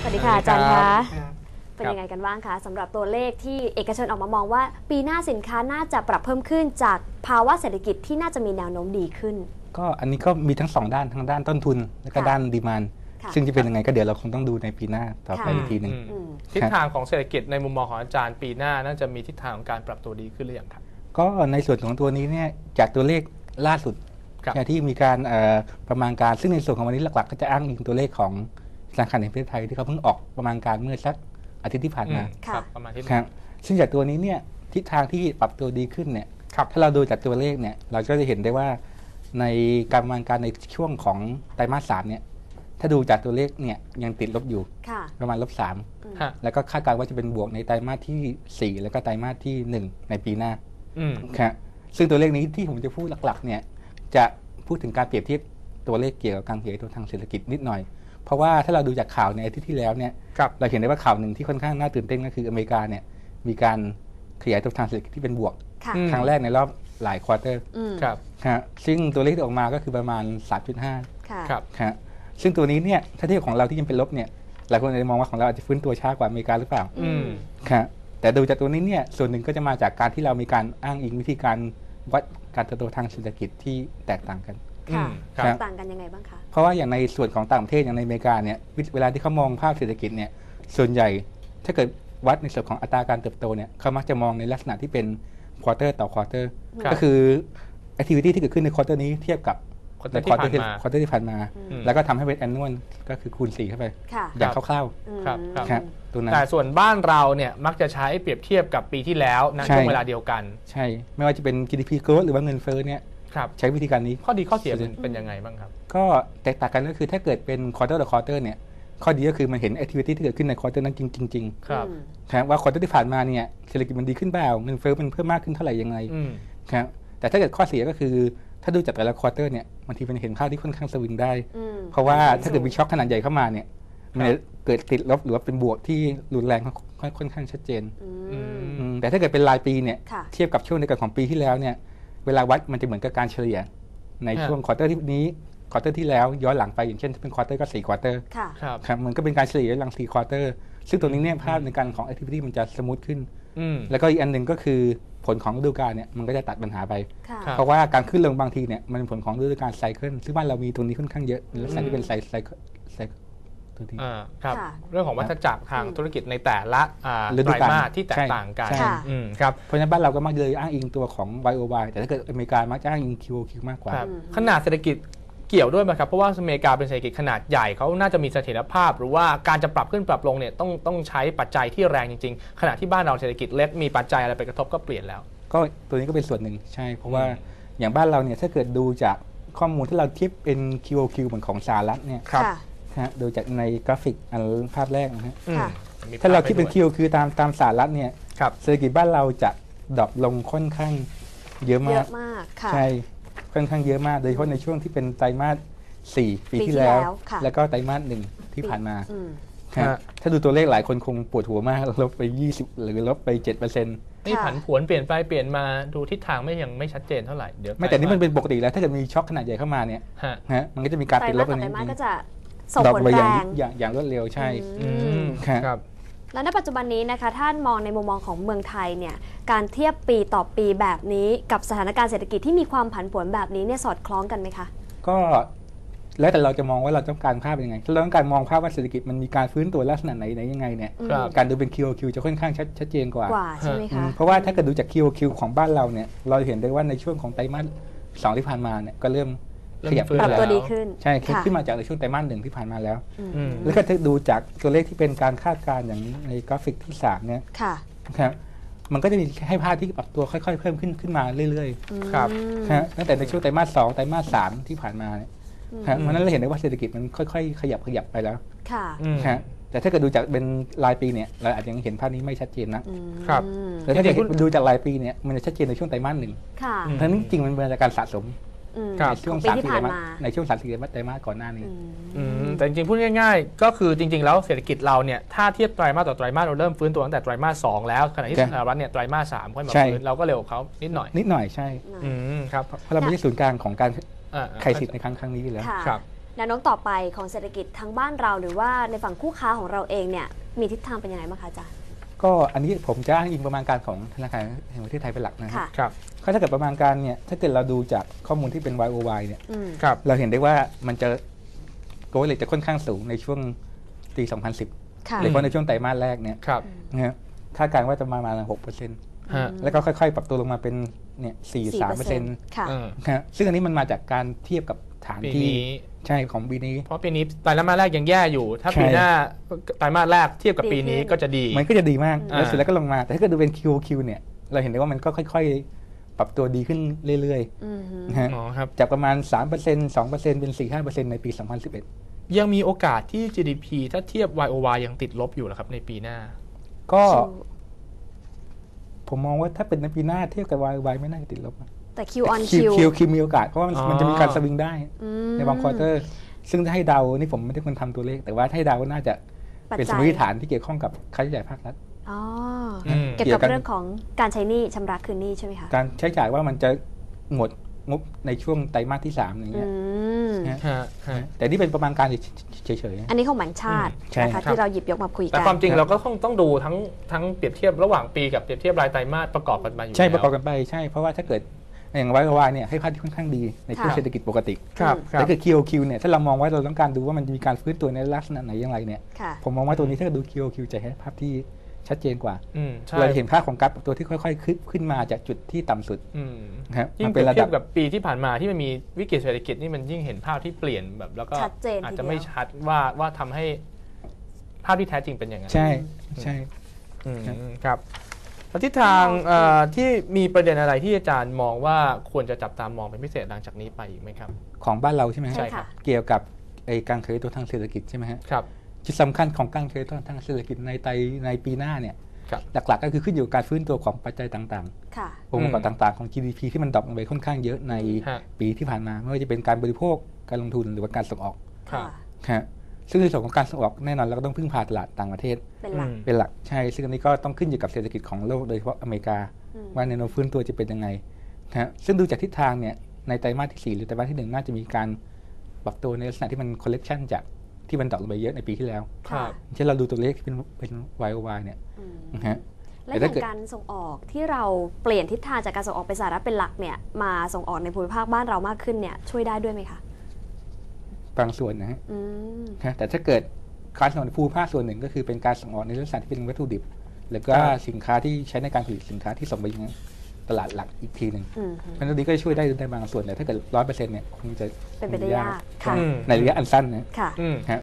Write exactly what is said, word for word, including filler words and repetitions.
วัสดีค่ะอาจารย์คะเป็นยังไงกันบ้างคะสำหรับตัวเลขที่เอกชนออกมามองว่าปีหน้าสินค้าน่าจะปรับเพิ่มขึ้นจากภาวะเศรษฐกิจที่น่าจะมีแนวโน้มดีขึ้นก็อันนี้ก็มีทั้งสองด้านทั้งด้านต้นทุนและก็ด้านดีมานด์ซึ่งจะเป็นยังไงก็เดี๋ยวเราคงต้องดูในปีหน้าต่อไปอีกทีหนึ่งทิศทางของเศรษฐกิจในมุมมองของอาจารย์ปีหน้าน่าจะมีทิศทางของการปรับตัวดีขึ้นหรือยังครับก็ในส่วนของตัวนี้เนี่ยจากตัวเลขล่าสุดที่มีการประมาณการซึ่งในส่วนของวันนี้หลักๆก็จะอ้างอิงตัวเลขของธนาคารแห่งประเทศไทยที่เขาเพิ่งออกประมาณการเมื่อสักอาทิตย์ที่ผ่านมาครับประมาณที่ครับซึ่งจากตัวนี้เนี่ยทิศทางที่ปรับตัวดีขึ้นเนี่ยถ้าเราดูจากตัวเลขเนี่ยเราก็จะเห็นได้ว่าในการประมาณการในช่วงของไตรมาสสามเนี่ยถ้าดูจากตัวเลขเนี่ยยังติดลบอยู่ประมาณลบสามแล้วก็คาดการณ์ว่าจะเป็นบวกในไตรมาสที่สี่แล้วก็ไตรมาสที่หนึ่งในปีหน้าครับซึ่งตัวเลขนี้ที่ผมจะพูดหลักๆเนี่ยจะพูดถึงการเปรียบเทียบตัวเลขเกี่ยวกับการขยายตัวทางเศรษฐกิจนิดหน่อยเพราะว่าถ้าเราดูจากข่าวในอาทิตย์ที่แล้วเนี่ยเราเห็นได้ว่าข่าวหนึ่งที่ค่อนข้างน่าตื่นเต้นก็คืออเมริกาเนี่ยมีการขยายตัวทางเศรษฐกิจที่เป็นบวกครั้งแรกในรอบหลายควอเตอร์ครับซึ่งตัวเลขที่ออกมาก็คือประมาณ สามจุดห้า ครับซึ่งตัวนี้เนี่ยถ้าเทียบของเราที่ยังเป็นลบเนี่ยหลายคนอาจจะมองว่าของเราอาจจะฟื้นตัวช้ากว่าอเมริกาหรือเปล่าครับแต่ดูจากตัวนี้เนี่ยส่วนหนึ่งก็จะมาจากการที่เรามีการอ้างอิงวิธีการวัดการเติบโตทางเศรษฐกิจที่แตกต่างกันค่ะต่างกันยังไงบ้างคะเพราะว่าอย่างในส่วนของต่างประเทศอย่างในอเมริกาเนี่ยเวลาที่เขามองภาพเศรษฐกิจเนี่ยส่วนใหญ่ถ้าเกิดวัดในส่วนของอัตราการเติบโตเนี่ยเขามักจะมองในลักษณะที่เป็นควอเตอร์ต่อควอเตอร์ก็คือแอคทิวิตี้ที่เกิดขึ้นในควอเตอร์นี้เทียบกับในควอเตอร์ที่ควอเตอร์ที่ผ่านมาแล้วก็ทำให้เป็นแอนนวลก็คือคูณสี่เข้าไปอย่างคร่าวๆครับตัวนั้นแต่ส่วนบ้านเราเนี่ยมักจะใช้เปรียบเทียบกับปีที่แล้วในช่วงเวลาเดียวกันใช่ไม่ว่าจะเป็น จี ดี พี growth หรือว่าเงินเฟ้อเนี่ยใช้วิธีการนี้ข้อดีข้อเสียเป็นยังไงบ้างครับก็แตกต่างกันก็คือถ้าเกิดเป็น quarter ต่อ quarter เนี่ยข้อดีก็คือมันเห็น activity ที่เกิดขึ้นใน quarter นั้นจริงๆครับว่า quarter ที่ผ่านมาเนี่ยเศรษฐกิจมันดีขึ้นเปล่าเงินเฟ้อมันเพิ่มมากขึ้นเท่าไหร่ยังไงครับแต่ถ้าเกิดข้อเสียก็คือถ้าดูจากแต่ละ quarter เนี่ยบางทีมันเห็นภาพที่ค่อนข้างสวิงได้เพราะว่าถ้าเกิดมีช็อคขนาดใหญ่เข้ามาเนี่ยมันเกิดติดลบหรือว่าเป็นบวกที่รุนแรงค่อนข้างชัดเจนแต่ถ้าเกิดเป็นรายปีเนี่ยเทียบกับช่วงเดียวกันของปีที่แล้วเนี่ยเวลาวัดมันจะเหมือนกับการเฉลี่ยในช่วงควอเตอร์ที่นี้ควอเตอร์ที่แล้วย้อนหลังไปอย่างเช่นถ้าเป็นควอเตอร์ก็สี่ควอเตอร์ครับมันก็เป็นการเฉลี่ยย้อนหลังสี่ควอเตอร์ซึ่งตัวนี้เนี่ยภาพในการของ activity มันจะสมูทขึ้นแล้วก็อีกอันหนึ่งก็คือผลของฤดูกาลเนี่ยมันก็จะตัดปัญหาไปเพราะว่าการขึ้นลงบางทีเนี่ยมันเป็นผลของฤดูกาลไซเคิลซึ่งบ้านเรามีตรงนี้ค่อนข้างเยอะในลักษณะที่เป็นไซไซไซครับเรื่องของวัฏจักรทางธุรกิจในแต่ละไตรมาสที่แตกต่างกันครับเพราะฉะนั้นบ้านเราก็มักเลยอ้างอิงตัวของ วาย โอ วาย แต่ถ้าเกิดอเมริกามักจะอ้างอิง คิว โอ คิว มากกว่าขนาดเศรษฐกิจเกี่ยวด้วยไหมครับเพราะว่าอเมริกาเป็นเศรษฐกิจขนาดใหญ่เขาน่าจะมีเสถียรภาพหรือว่าการจะปรับขึ้นปรับลงเนี่ยต้องต้องใช้ปัจจัยที่แรงจริงๆขณะที่บ้านเราเศรษฐกิจเล็กมีปัจจัยอะไรไปกระทบก็เปลี่ยนแล้วก็ตัวนี้ก็เป็นส่วนหนึ่งใช่เพราะว่าอย่างบ้านเราเนี่ยถ้าเกิดดูจากข้อมูลที่เราเทียบเป็น คิว โอ คิว เหมือนของสหรัฐเนี่ยดูจากในกราฟิกอันภาพแรกนะฮะถ้าเราคิดเป็น คิว คือตามตามสหรัฐเนี่ยเศรษฐกิจบ้านเราจะดรอปลงค่อนข้างเยอะมากใช่ค่อนข้างเยอะมากโดยเฉพาะในช่วงที่เป็นไตรมาสสี่ปีที่แล้วแล้วก็ไตรมาสหนึ่งที่ผ่านมาถ้าดูตัวเลขหลายคนคงปวดหัวมากลบไปยี่สิบหรือลบไป เจ็ดเปอร์เซ็นต์นี่ผันผวนเปลี่ยนไปเปลี่ยนมาดูทิศทางไม่ยังไม่ชัดเจนเท่าไหร่เดี๋ยวไม่แต่นี่มันเป็นปกติแล้วถ้าเกิดมีช็อคขนาดใหญ่เข้ามาเนี่ยฮะมันก็จะมีการติดลบอันนี้ก็จะส่งผลแรงอย่างอย่างรวดเร็วใช่ครับแล้วในปัจจุบันนี้นะคะท่านมองในมุมมองของเมืองไทยเนี่ยการเทียบปีต่อปีแบบนี้กับสถานการณ์เศรษฐกิจที่มีความผันผวนแบบนี้เนี่ยสอดคล้องกันไหมคะก็แล้วแต่เราจะมองว่าเราต้องการภาพยังไงถ้าเราต้องการมองภาพว่าเศรษฐกิจมันมีการฟื้นตัวลักษณะไหนไหนยังไงเนี่ยการดูเป็น คิว โอ คิว จะค่อนข้างชัดเจนกว่าใช่ไหมคะเพราะว่าถ้าเกิดดูจาก คิว โอ คิว ของบ้านเราเนี่ยเราเห็นได้ว่าในช่วงของไตรมาสสองที่ผ่านมาเนี่ยก็เริ่มขยับปรับตัวดีขึ้นใช่ขึ้นมาจากในช่วงไตรมาสหนึ่งที่ผ่านมาแล้วแล้วก็ถ้าดูจากตัวเลขที่เป็นการคาดการณ์อย่างในกราฟิกที่สามเนี่ยครับมันก็จะมีให้ภาพที่ปรับตัวค่อยๆเพิ่มขึ้นขึ้นมาเรื่อยๆครับตั้งแต่ในช่วงไตรมาสสองไตรมาสสามที่ผ่านมาเนี่ยเพราะนั้นเราเห็นได้ว่าเศรษฐกิจมันค่อยๆขยับขยับไปแล้วค่ะแต่ถ้าเกิดดูจากเป็นรายปีเนี่ยเราอาจจะยังเห็นภาพนี้ไม่ชัดเจนนะครับแต่ถ้าเกิดดูจากรายปีเนี่ยมันจะชัดเจนในช่วงไตรมาสหนึ่งทั้งนี้จริงมันเป็นการสะสมในช่วงสามสี่ไตรมาสในช่วงสามสี่ไตรมาสก่อนหน้านี้แต่จริงๆพูดง่ายๆก็คือจริงๆแล้วเศรษฐกิจเราเนี่ยถ้าเทียบไตรมาสต่อไตรมาสเราเริ่มฟื้นตัวตั้งแต่ไตรมาสสองแล้วขณะที่สหรัฐเนี่ยไตรมาสสามค่อยมาฟื้นเราก็เร็วกว่าเขานิดหน่อยนิดหน่อยใช่ครับเพราะเราไม่ใช่ศูนย์กลางของการไขสิทธิ์ในครั้งครั้งนี้แล้วครับแนวโน้มต่อไปของเศรษฐกิจทั้งบ้านเราหรือว่าในฝั่งคู่ค้าของเราเองเนี่ยมีทิศทางเป็นยังไงบ้างคะอาจารย์ก็อันนี้ผมจะอ้างอิงประมาณการของธนาคารแห่งประเทศไทยเป็นหลักนะครัค่ะบครับก็ถ้าเกิดประมาณการเนี่ยถ้าเกิดเราดูจากข้อมูลที่เป็น วาย โอ วาย เนี่ยอืมครับเราเห็นได้ว่ามันจะโกลเลตจะค่อนข้างสูงในช่วงปี สองพันสิบค่ะโดยเฉพาะในช่วงไตรมาสแรกเนี่ยครับนะฮะคาดการณ์ว่าจะประมาณ หกเปอร์เซ็นต์ฮะแล้วก็ค่อยๆ ปรับตัวลงมาเป็นเนี่ย สี่สิบสามเปอร์เซ็นต์ค่ะเออนะฮะซึ่งอันนี้มันมาจากการเทียบกับฐานปีที่นี้ใช่ของปีนี้เพราะปีนี้ไตรมาสแรกยังแย่อยู่ ถ้าใช่ปีหน้าไตรมาสแรกเทียบกับปีนี้ดีขึ้นก็จะดีมันก็จะดีมากอ่าแล้วเสร็จแล้วก็ลงมา แต่ถ้าเกิดดูเป็น คิว โอ คิว เนี่ย เราเห็นได้ว่ามันก็ค่อยๆ ปรับตัวดีขึ้นเรื่อยอืมฮึๆนะฮะอ๋อครับจากประมาณ สามเปอร์เซ็นต์ สองเปอร์เซ็นต์ เป็น สี่ถึงห้าเปอร์เซ็นต์ ในปี สองพันสิบเอ็ดยังมีโอกาสที่ จี ดี พี ถ้าเทียบ วาย โอ วาย ยังติดลบอยู่เหรอครับในปีหน้าก็ ผมมองว่าถ้าเป็นในปีหน้าเทียบกับ วาย โอ วาย ไม่น่าจะติดลบนะแต่ Q on คิว Q คิวคิวมีโอกาส เพราะว่ามันอ๋อมันจะมีการสวิงได้อืมในบางควอเตอร์ ซึ่งถ้าให้เดา นี่ผมไม่ได้คนทำตัวเลข แต่ว่าถ้าให้เดาก็น่าจะปัจเป็นสจัมยมติฐานที่เกี่ยวข้องกับค่าใช้จ่ายภาครัฐอ๋ออืมเกี่ยวกับเรื่องของการใช้หนี้ชำระคืนหนี้ใช่ไหมคะการใช้จ่ายว่ามันจะหมดงบในช่วงไตรมาสที่สามอย่างอืเงี้ยมนะฮะฮะแต่นี่เป็นประมาณการเฉยอันนี้ของแบงก์ชาติใช่นะคะครับที่เราหยิบยกมาคุยกัแต่นความจริงเราก็ต้องต้องดูทั้งทั้งเปรียบเทียบระหว่างปีกับเปรียบเทียบรายไตรมาสประกอบกันมาอยู่ๆ ใช่แล้วประกอบกันไปใช่ เพราะว่าถ้าเกิดอย่าง วาย โอ วาย เนี่ยให้ภาพที่ค่อนข้างดีในช่วงค่ะเศรษฐกิจปกติครับครัแต่บถ้าเกิด คิว โอ คิว เนี่ยถ้าเรามองว่าเราต้องการดูว่ามันจะมีการฟื้นตัวในลักษณะไหนอย่างไรเนี่ยค่ะผมมองว่าตัวนี้ถ้าเกิดดู คิว โอ คิว จะให้ภาพที่ชัดเจนกว่าอืมใช่เราจะเห็นภาพของกราฟตัวที่ค่อยๆขึ้นขึ้นมาจากจุดที่ต่ำสุดอืมนะครับยิ่งมาเป รียบเป็นระเทีดัยบบกับปีที่ผ่านมาที่มันมีวิกฤตเศรษฐกิจนี่มันยิ่งเห็นภาพที่เปลี่ยนแบบแล้วก็ชัดเจนอาจทีจะเดีไม่ยวชัดว่าว่าทำให้ภาพที่แท้จริงเป็นอย่างนั้นใช่ใช่อืมครับครับแล้วทิศทางเอ่อที่มีประเด็นอะไรที่อาจารย์มองว่าควรจะจับตามองเป็นพิเศษหลังจากนี้ไปอีกไหมครับของบ้านเราใช่ไหมฮะใช่ค่ะเกี่ยวกับไอ้การขยายตัวทางเศรษฐกิจใช่ไหมฮะครับจุดสำคัญของการขยายตัวทางเศรษฐกิจในไตรในปีหน้าเนี่ยครับหลักๆก็คือขึ้นอยู่กับการฟื้นตัวของปัจจัยต่างค่ะๆองค์ประกอบต่างๆของ จี ดี พี ที่มันดรอปลงไปค่อนข้างเยอะในฮะปีที่ผ่านมาไม่ว่าจะเป็นการบริโภคการลงทุนหรือว่าการส่งออกครับค่ะฮะซึ่งในส่วนของการส่งออกแน่นอนเราก็ต้องพึ่งพาตลาดต่างประเทศเป็นหลักอืมเป็นหลักใช่ซึ่งอันนี้ก็ต้องขึ้นอยู่กับเศรษฐกิจของโลกโดยเฉพาะอเมริกาอืมว่าแนวโน้มฟื้นตัวจะเป็นยังไงนะฮะซึ่งดูจากทิศทางเนี่ยในไตรมาสที่สี่หรือไตรมาสที่หนึ่งน่าจะมีการปรับตัวในลักษณะที่มันคอลเลกชันจากที่มันดรอปลงไปเยอะในปีที่แล้วครับเช่นเราดูตัวเลขที่เป็นเป็น วาย โอ วาย เนี่ยอืมนะฮะและแต่อถ้าย่างเกิดการส่งออกที่เราเปลี่ยนทิศทางจากการส่งออกไปสหรัฐเป็นหลักเนี่ยมาส่งออกในภูมิภาคบ้านเรามากขึ้นเนี่ยช่วยได้ด้วยไหมคะบางส่วนนะฮะอืมนะแต่ถ้าเกิดการส่งออกในภูมิภาคส่วนหนึ่งก็คือเป็นการส่งออกในลักษณะที่เป็นวัตถุดิบ แล้วก็ครับสินค้าที่ใช้ในการผลิตสินค้าที่ส่งไปยังตลาดหลักอีกทีหนึ่งอืมเพราะฉะนั้นตรงนี้ก็จะช่วยได้ในบางส่วนแต่ถ้าเกิดร้อยเปอร์เซ็นต์เนี่ยคงจะเป็นไปได้ยากค่ะอืมในระยะอันสั้นนะค่ะอืมฮะ